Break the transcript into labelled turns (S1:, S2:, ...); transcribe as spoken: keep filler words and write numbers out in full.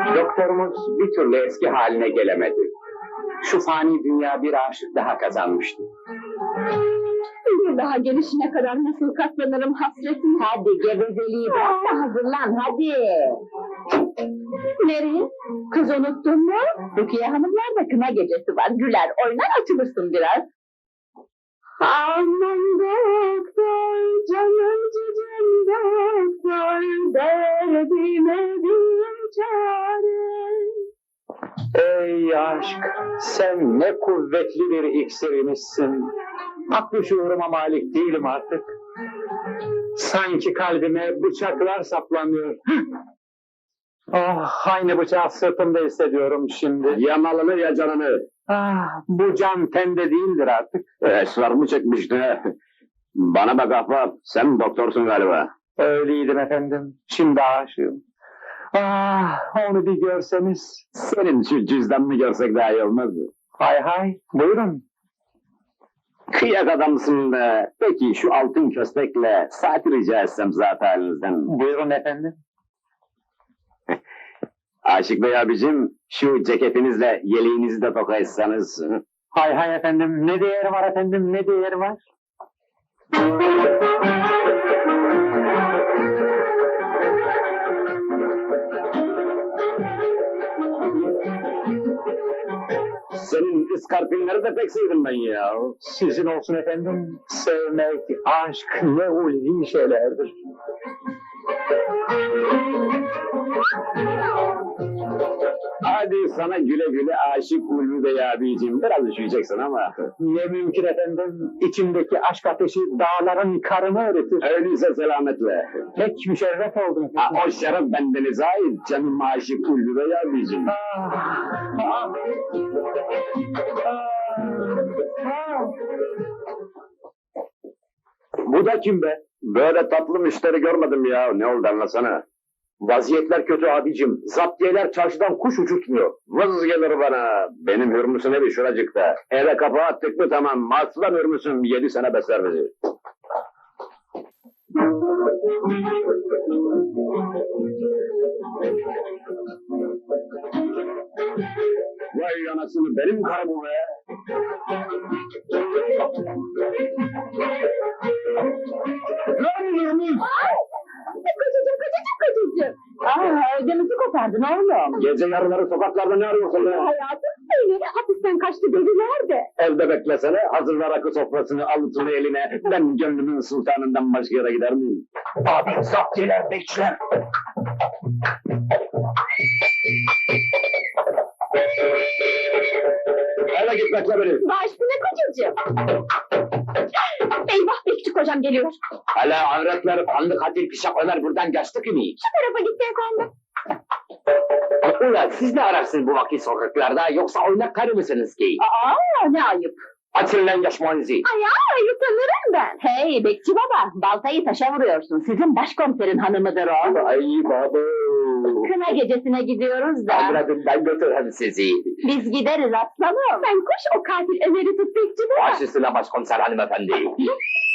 S1: Doktorumuz bir türlü eski haline gelemedi. Şu fani dünya bir aşık daha kazanmıştı.
S2: Bir daha gelişine kadar nasıl katlanırım hasretine?
S3: Hadi gevezeliği bırak da hazırlan hadi.
S2: Nereye? Kız unuttun mu?
S3: Rukiye Hanımlar da kına gecesi var. Güler oynar açılırsın biraz.
S2: Aman doktor, canım cicim doktor, derdime bir çare.
S1: Ey aşk, sen ne kuvvetli bir iksirimizsin. Aklı şuuruma malik değilim artık. Sanki kalbime bıçaklar saplanıyor. Ah, aynı bıçağı sırtımda hissediyorum şimdi.
S4: Ya malını ya canını.
S1: Ah, bu can tende değildir artık.
S4: Esrar mı çekmişti? Bana bak ahbap, sen doktorsun galiba.
S1: Öyleydim efendim, şimdi aşığım. Ah, onu bir görseniz.
S4: Senin şu cüzdanını görsek daha iyi olmaz mı?
S1: Hay hay, buyurun.
S4: Kıyak adamsın be. Peki şu altın köstekle saati rica etsem zat halinizden.
S1: Buyurun efendim.
S4: Aşık Bey abicim, şu ceketinizle yeleğinizi de toka etsanız.
S1: Hay hay efendim, ne değeri var efendim, ne değeri var?
S4: Senin iskarpinleri de pek sevdim ben ya.
S1: Sizin olsun efendim, sevmek, aşk ne ulvi şeylerdir.
S4: Hadi sana güle güle aşık Ulvi Bey abicim. Biraz üşüyeceksin ama.
S1: Ne mümkün efendim, içimdeki aşk ateşi dağların karını eritir.
S4: Öyleyse selametle.
S1: Pek müşerref oldum efendim.
S4: Ha, o şeref bendenize ait canım aşık Ulvi Bey abicim.
S1: Ah, ah, ah.
S4: Bu da kim be? Böyle tatlı müşteri görmedim ya. Ne oldu anlasana. Vaziyetler kötü abicim. Zaptiyeler çarşıdan kuş uçurtmuyor. Vız gelir bana. Benim hürmüsün evi şuracıkta. Eve kapağı attık mı tamam. Aslan hürmüsüm yedi sene besler bizi. Vay anasını benim karım be. Lan hürmüz!
S3: Kocacığım kocacığım kocacığım. Aa ödümüzü kopardın oğlum.
S4: Gece yarıları sokaklarda ne arıyorsun be?
S3: Hayatım seni hapisten kaçtı dediler de.
S4: Evde beklesene, hazırla rakı sofrasını, avucunu eline. Ben gönlümün sultanından başka yere gider miyim?
S1: Abi zaptiyeler, bekçiler.
S4: Eve git bekle beni.
S3: Baş üstüne kocacığım. Eyvah bekçi kocam geliyor.
S4: Hala avretler, kanlı katil pişak Ömer buradan geçti ki mi?
S3: Şu tarafa gitti efendim.
S4: Ulan siz ne ararsınız bu vakit sokaklarda, yoksa oynak karı mısınız ki?
S3: Aa ne ayıp.
S4: Açın lan yaşmanızı.
S3: Ay ay utanırım ben. Hey bekçi baba baltayı taşa vuruyorsun. Sizin başkomiserin hanımıdır o.
S4: Ay baba.
S3: Kına gecesine gidiyoruz da.
S4: Bırakın ben götürürüm sizi.
S3: Biz gideriz aslanım. Sen koş o katil Ömer'i tut bekçi baba.
S4: Baş üstüne başkomiser hanımefendi.